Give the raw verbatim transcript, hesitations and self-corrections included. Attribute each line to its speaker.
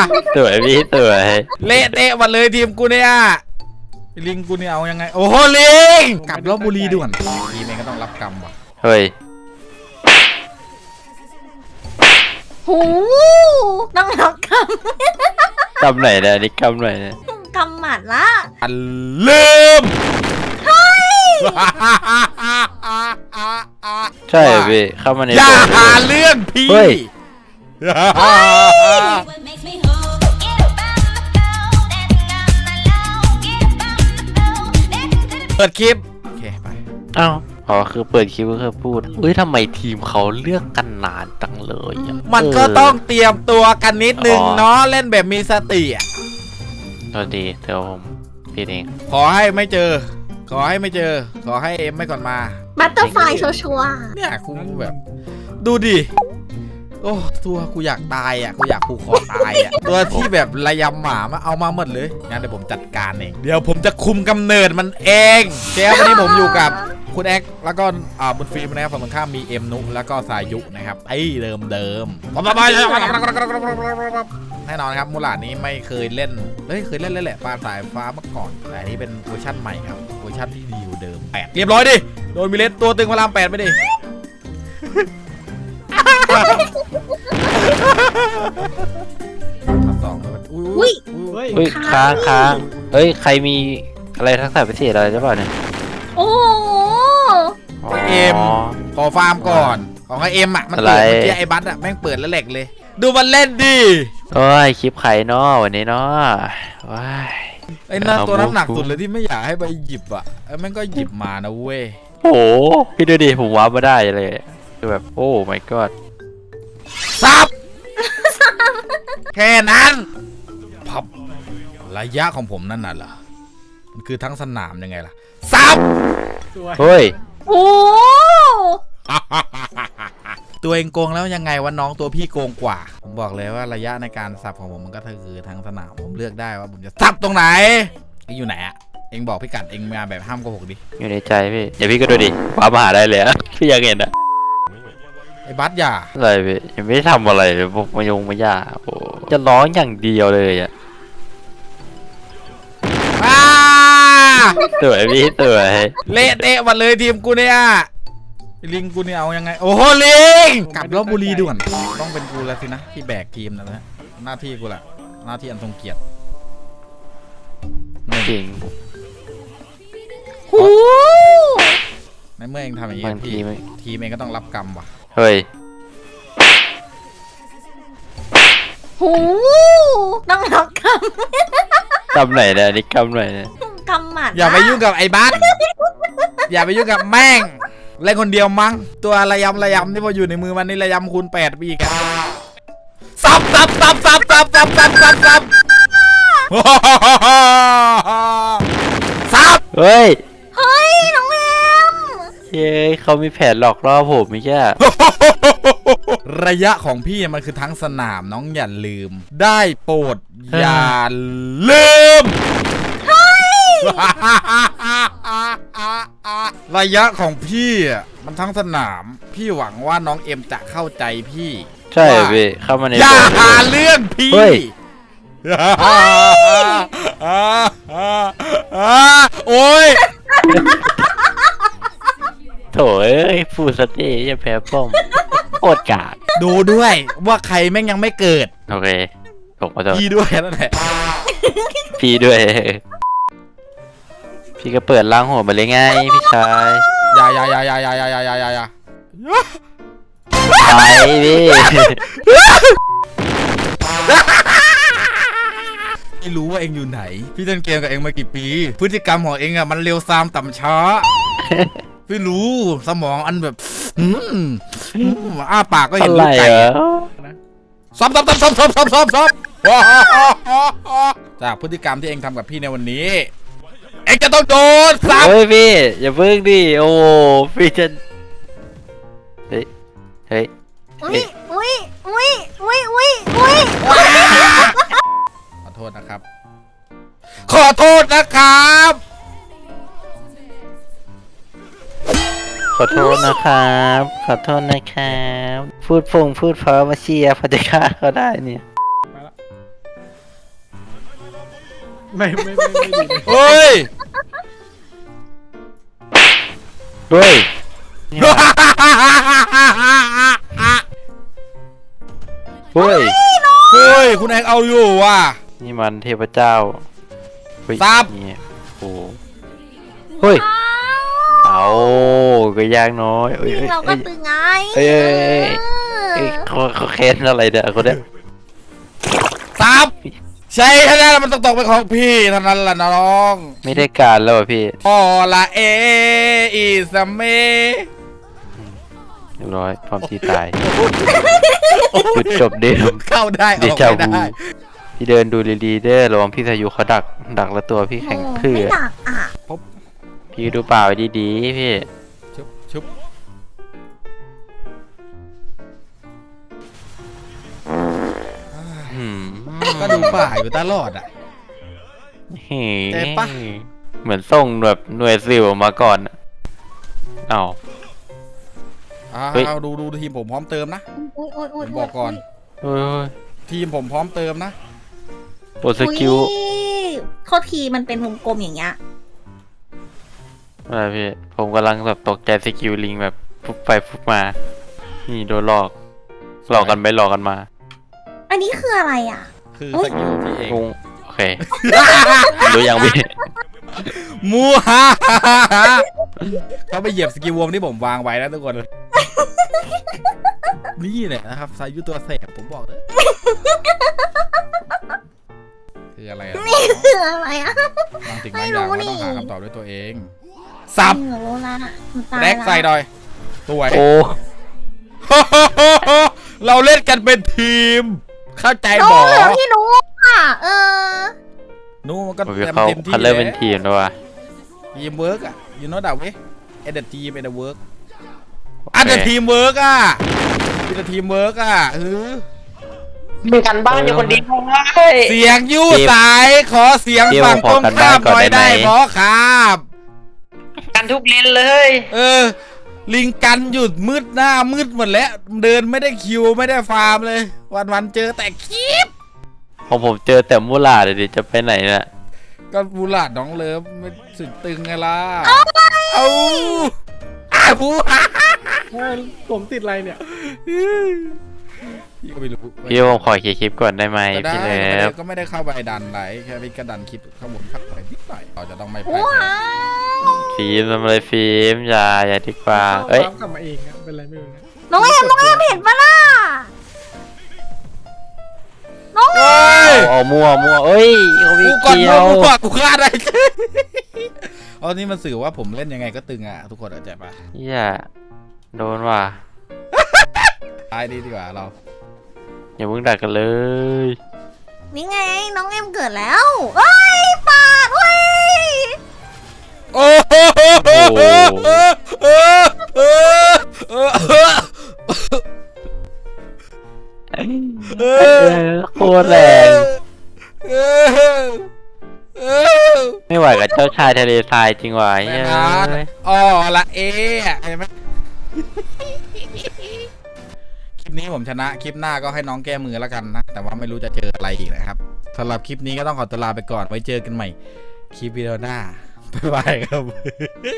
Speaker 1: สวยพี่สวย
Speaker 2: เละเตะหมดเลยทีมกูเนี่ยลิงกูเนี่ยเอายังไงโอ้โหลิงกลับลบบุรีด่วนทีมเองก็ต้องรับกรรมว่ะ
Speaker 1: เฮ้ย
Speaker 3: หูต้องรับค
Speaker 1: กำไหนเนี่ยนี่กำไหนเนี่ย
Speaker 3: ำกำหมัดละ
Speaker 2: อันลืม
Speaker 1: ใช่พี่เข้ามาใน
Speaker 2: อย่าหาเรื่องพี่เปิดคลิปโอเคไป
Speaker 1: อ้าวอ๋อคือเปิดคลิปก็คือพูดเฮ้ยทำไมทีมเขาเลือกกันนานจังเลย
Speaker 2: มันก็ต้องเตรียมตัวกันนิดนึงเนาะเล่นแบบมีสติอ่ะ
Speaker 1: สวัสดีเดี๋ยวผมพี่เอง
Speaker 2: ขอให้ไม่เจอขอให้ไม่เจอขอให้เอ็มไม่ก่อนมา
Speaker 3: บัตเตอร์ไฟชัวร์
Speaker 2: เนี่ยกูแบบดูดิโอ้ตัวกูอยากตายอ่ะกูอยากผูกคอตายอ่ะตัวที่แบบระยำหมามาเอามาหมดเลยงั้นเดี๋ยวผมจัดการเองเดี๋ยวผมจะคุมกำเนิดมันเองเจ้าวันนี้ผมอยู่กับคุณแอ็กแล้วก็อ่าบนฟิล์มนะครับฝั่งตรงข้ามมีเอ็มนุแล้วก็สายุนะครับไอ้เดิมเดิมแน่นอนครับมูลาดนี้ไม่เคยเล่นเฮ้ยเคยเล่นเล่นแหละปลาสายฟ้าเมื่อก่อนแต่นี่เป็นเวอร์ชั่นใหม่ครับเวอร์ชั่นที่ดีอยู่เดิมแปดเรียบร้อยดิโดนมิเลสตัวตึงพลามแปดไปดิสอง
Speaker 3: อุ้ย
Speaker 1: อุ้ยค้างค้างเฮ้ยใครมีอะไรทักษะพิเศษอะไรใช่ป่ะเนี่ย
Speaker 3: โอ้
Speaker 2: เอ็มขอฟาร์มก่อนของไอเอ็มอ่ะมันเปิดเมื่อกี้ไอ้บัสอ่ะแม่งเปิดแล้วแหลกเลยดูมันเล่นดิ
Speaker 1: โอ้ยคลิปใครเนาะวันนี้เนาะว้าย
Speaker 2: ไอ้นั่นตัวน้ำหนักสุดเลยที่ไม่อยากให้ไปหยิบอ่ะไอ้แม่งก็หยิบมานะเว้ย
Speaker 1: โอ้พี่ดูดิผมว้ามาได้เลยคือแบบโอ้ my god
Speaker 2: ซับแค่นั้นพับระยะของผมนั่นน่ะเหรอมันคือทั้งสนามยังไงล่ะซับ
Speaker 1: เฮ้ย
Speaker 3: โอ้
Speaker 2: ตัวเองโกงแล้วยังไงวะน้องตัวพี่โกงกว่าผมบอกเลยว่าระยะในการสับของผมมันก็คือทั้งสนามผมเลือกได้ว่าผมจะสับตรงไหนเอ็งอยู่ไหนอะเอ็งบอกพี่กัดเอ็งมาแบบห้ามโกหกดิ
Speaker 1: อยู่ในใจพี่เดี๋ยวพี่ก็ดูดิว้ามาหาได้เลยพี่อยากเห็นอะ
Speaker 2: ไอ้บัสอย่า
Speaker 1: อะไรพี่ยังไม่ได้ทำอะไรเลยพวกมายงมาย่าโอ้จะร้องอย่างเดียวเลยอะสวยพี่สวย
Speaker 2: เละเตะหมดเลยทีมกูเนี่ยลิงกูเนี่ยเอายังไงโอ้โหลิงกลับลบบุรีด่วนต้องเป็นกูแล้วสินะที่แบกทีมนะนะหน้าที่กูแหละหน้าที่อันทรงเกียรติ
Speaker 1: จริง
Speaker 3: โอ้
Speaker 2: ในเมื่อเองทำอย่างนี้ทีมทีมเองก็ต้องรับกรรมว่ะ
Speaker 1: เฮ้ย
Speaker 3: หูต้องรับกรรม
Speaker 1: กำไหนเนี่ยนี่กำไหนเนี่ย
Speaker 3: กำหมัด
Speaker 2: อย่าไปยุ่งกับไอ้บัสอย่าไปยุ่งกับแม่งเล่นคนเดียวมั้งตัวระยำระยำที่พออยู่ในมือมันนี่ระยำคูณแปดปีกันซับซับซับซับซับซับซับซับซับซับ
Speaker 1: เฮ้ย
Speaker 3: เฮ้ยน้องแอม
Speaker 1: เย้เขามีแผนหลอกล่อผมไม่ใช่
Speaker 2: ระยะของพี่มันคือทั้งสนามน้องอย่าลืมได้โปรดอย่าลืมระยะของพี่มันทั้งสนามพี่หวังว่าน้องเอ็มจะเข้าใจพี่
Speaker 1: ใช่พี่เข้ามาใน
Speaker 2: อย่าหาเรื่องพี่โอ้ย
Speaker 1: โถ่เอ้ยฟูสเต้จะแพ้ป้อมโคตรกาด
Speaker 2: ดูด้วยว่าใครแม่งยังไม่เกิด
Speaker 1: โอเคผมขอโทษ
Speaker 2: พี่ด้วยนั่นแหละ
Speaker 1: พี่ด้วยพี่ก็เปิดล้างหัวมาเลยไงพี่ชาย
Speaker 2: อย่าอย่าอย่าอย่าอย่าอย่าอย่าอย่าอย่า
Speaker 1: ไปพี่
Speaker 2: ไม่รู้ว่าเองอยู่ไหนพี่เล่นเกมกับเองมากี่ปีพฤติกรรมของเองอะมันเร็วซามต่ำช้าพี่รู้สมองอันแบบอืมอ้าปากก็เห็นลูกไก่ซ้อมซ้อมซ้อมซ้อมซ้อมซ้อมซ้อมซ้อมจากพฤติกรรมที่เองทำกับพี่ในวันนี้เอ็งจะต้องโดนซ้ำ
Speaker 1: เฮ้ยพี่อย่าเพิ่งดิโอ้พี่จะเฮ้ยเฮ้ย
Speaker 3: อุ้ยอุ้ยอุ้ยอุ้ยอุ้ยอุ้ย
Speaker 2: ขอโทษนะครับขอโทษนะครับ
Speaker 1: ขอโทษนะครับขอโทษนะครับพูดพงพูดเพราะมาเชียร์พอจะฆ่าเขาได้เนี่ย
Speaker 4: ไม่ไม่ไม่ไม่ดีเลย
Speaker 2: เฮ้ย
Speaker 1: เฮ้ย เฮ้ย
Speaker 2: เฮ้ยคุณแอกเอาอยู่ว่ะ
Speaker 1: นี่มันเทพเจ้าเฮ้ย
Speaker 2: ซับ
Speaker 1: นี่โอ้เฮ้ย เอาก็ยากน้อยเอ้ย
Speaker 3: จริ
Speaker 1: เอ้
Speaker 3: ง
Speaker 1: ย
Speaker 3: เราก็
Speaker 1: เอ้ย
Speaker 3: ตึงไง
Speaker 1: เอ้ยเอ้ยเอ้ย เอ้ยเขาเขาเค้นอะไรเนี่ยคนเนี้ย
Speaker 2: ซับใช่ท่านั้นมันต้องตกเป็นของพี่เท่านั้นล่ะน้อง
Speaker 1: ไม่ได้การแล้วอ่ะพี่
Speaker 2: พอละเออีสเม
Speaker 1: เรียบร้อยพร้อมที่ตายจุดจบเดิม
Speaker 2: เข้าได้อ
Speaker 1: เด
Speaker 2: อก
Speaker 1: จา
Speaker 2: ไม่
Speaker 1: วู
Speaker 2: ได้
Speaker 1: พี่เดินดูดีๆเด้อระวังพี่สายุเขาดัก ดักแล้วตัวพี่แข็ง
Speaker 3: โอ้
Speaker 1: ทื่อ
Speaker 3: ไม่หนักอ่ะ
Speaker 1: พี่ดูเปล่าไว้ดีๆพี่
Speaker 2: ชุบชุบ
Speaker 1: อืม
Speaker 2: ก็ดูป่าอยู่ตลอดอ่ะ
Speaker 1: เฮ้
Speaker 2: เจ็บปะ
Speaker 1: เหมือนส่งแบบหน่วยซิลมาก่อนอะเอ้า
Speaker 2: อ่า
Speaker 1: เฮ้ย
Speaker 2: เอาดูดูทีมผมพร้อมเติมนะ
Speaker 3: โอ้ยโอ้ย
Speaker 2: ผ
Speaker 3: โอ้ย
Speaker 2: มบอกก่อน
Speaker 1: เฮ้ย
Speaker 2: ทีมผมพร้อมเติมนะ
Speaker 1: โปรสกิล
Speaker 3: อุ๊ยข้อทีมันเป็นวงกลมอย่างเงี้ย
Speaker 1: อะไรพี่ ผมกำลังแบบตกใจสกิลลิงแบบฟุบไปฟุบมา นี่โดนหลอก หลอกกันไปหลอกกันมา
Speaker 3: อันนี้คืออะไรอ่ะ
Speaker 2: คือ
Speaker 3: เฮ้
Speaker 2: ส
Speaker 3: ย
Speaker 2: กิลพี่เอง
Speaker 1: งงโอเค รู้ยังพี่
Speaker 2: มูฮ่าฮ่าฮ่าฮ่าเขาไปเหยียบสกิลวงที่ผมวางไว้นะทุกคน นี่แหละนะครับสายุตัวแสบผมบอกเลยคืออะไรอะ
Speaker 3: นี่คืออะไรอ่ะ
Speaker 2: บางสิ่ง
Speaker 3: ไม่
Speaker 2: บางอย่าง
Speaker 3: รู้
Speaker 2: เราต้อง
Speaker 3: นี่
Speaker 2: หาคำตอบด้วยตัวเอง สับ
Speaker 3: จริงเหรอโลล่าหนูตาย
Speaker 2: แร็กใส่
Speaker 3: ละ
Speaker 2: ดอยสวย
Speaker 1: โอ้
Speaker 2: เราเล่นกันเป็นทีม เข้าใจ
Speaker 3: โน้
Speaker 2: บอ
Speaker 3: เหลือพี่หนูอ่ะ เออ
Speaker 2: นู้มันก็
Speaker 1: โอเค
Speaker 2: เต็ม
Speaker 1: เขา
Speaker 2: เต็มที่
Speaker 1: เขาเริ่มเป็นทีมแล้วว่ะ
Speaker 2: ทีมเวิร์กอะยูโน่ดาวเว้ยเอ็ดทีมเอ็ดเวิร์กอันเดทีมเวิร์กอะอันเดทีมเวิร์กอะเออ
Speaker 5: มีกันบ้านอยู่คนเดียวเลย
Speaker 2: เสียงยู่สายขอเสียง
Speaker 1: เดี๋ยว
Speaker 2: ฝั่ง
Speaker 1: ขอ
Speaker 2: ตรง
Speaker 1: กัน
Speaker 2: ข้าม
Speaker 1: บ้านก่
Speaker 2: ห
Speaker 1: อน
Speaker 2: น่อย
Speaker 1: ได้
Speaker 2: ได้
Speaker 1: ไหม
Speaker 2: เพราะครับ
Speaker 5: กันทุกเลนเลย
Speaker 2: เออ ลิงกันหยุดมืดหน้ามืดหมดแล้ว เดินไม่ได้คิวไม่ได้ฟาร์มเลย วันวันๆเจอแต่คลิป
Speaker 1: ของผมเจอแต่มูลาเดี๋ยวดิจะไปไหนน่ะ
Speaker 2: ก็บูลาดน้องเลิฟไม่สุดตึงไงล่ะ เอาเอาอาบูฮ่า
Speaker 4: ว่าผมติดอะไรเนี่ย
Speaker 2: พี่ก็ไม่รู้
Speaker 1: พี่ผมขอเคลียร์คลิปก่อนได้ไหม
Speaker 2: ก็ได้
Speaker 1: พี่
Speaker 2: ก็
Speaker 1: เลิ
Speaker 2: ไม่ได้
Speaker 1: ฟ
Speaker 2: ก็ไม่ได้เข้าไปดันไหลแค่พี่ก็ดันคลิปข้างบนพักไปนิดหน่อยเราจะต้องไม่พลา
Speaker 3: ว้า
Speaker 2: ด
Speaker 3: ว
Speaker 1: ฟิล์มทำอะไรฟิล์มอย่าอย่าดีกว่า เอ้ย
Speaker 4: กลับมาเองอะเป็นไรไม่รู้นะ
Speaker 3: น้องเอ็มน้องเอ็มเห็นปะล่ะ น้องเอ็ม
Speaker 2: เฮ้ย
Speaker 1: เอามั่วมั่วเอ้ยเขาไม่
Speaker 2: กูก่อน
Speaker 1: เกี่ย
Speaker 2: มึ
Speaker 1: ว
Speaker 2: งกูก่อนกูฆ่าได้ เอานี่มันสื่อว่าผมเล่นยังไงก็ตึงอ่ะทุกคนเข้าใจปะ
Speaker 1: เฮียโดนว่ะ
Speaker 2: ตายดีดีกว่าเรา
Speaker 1: อย่าเพิ่งดักกันเลย
Speaker 3: นี่ไงน้องเอ็มเกิดแล้วเอ้ยปาดเว้ย
Speaker 2: โอ้โหเออเออเออเออเออ
Speaker 1: เออโคตรแรง
Speaker 2: เออเออ
Speaker 1: ไม่ไหวกับเจ้าชายทะเลทรายจริงว่ะ
Speaker 2: แม่
Speaker 1: เฮ้ย
Speaker 2: นะอ๋อละเอะเห็นไหมคลิปนี้ผมชนะคลิปหน้าก็ให้น้องแก้มือแล้วกันนะ แต่ว่าไม่รู้จะเจออะไรอีกนะครับสำหรับคลิปนี้ก็ต้องขอตัวลาไปก่อนไว้เจอกันใหม่ คลิปวิดีโอหน้าบ๊ายบายครับ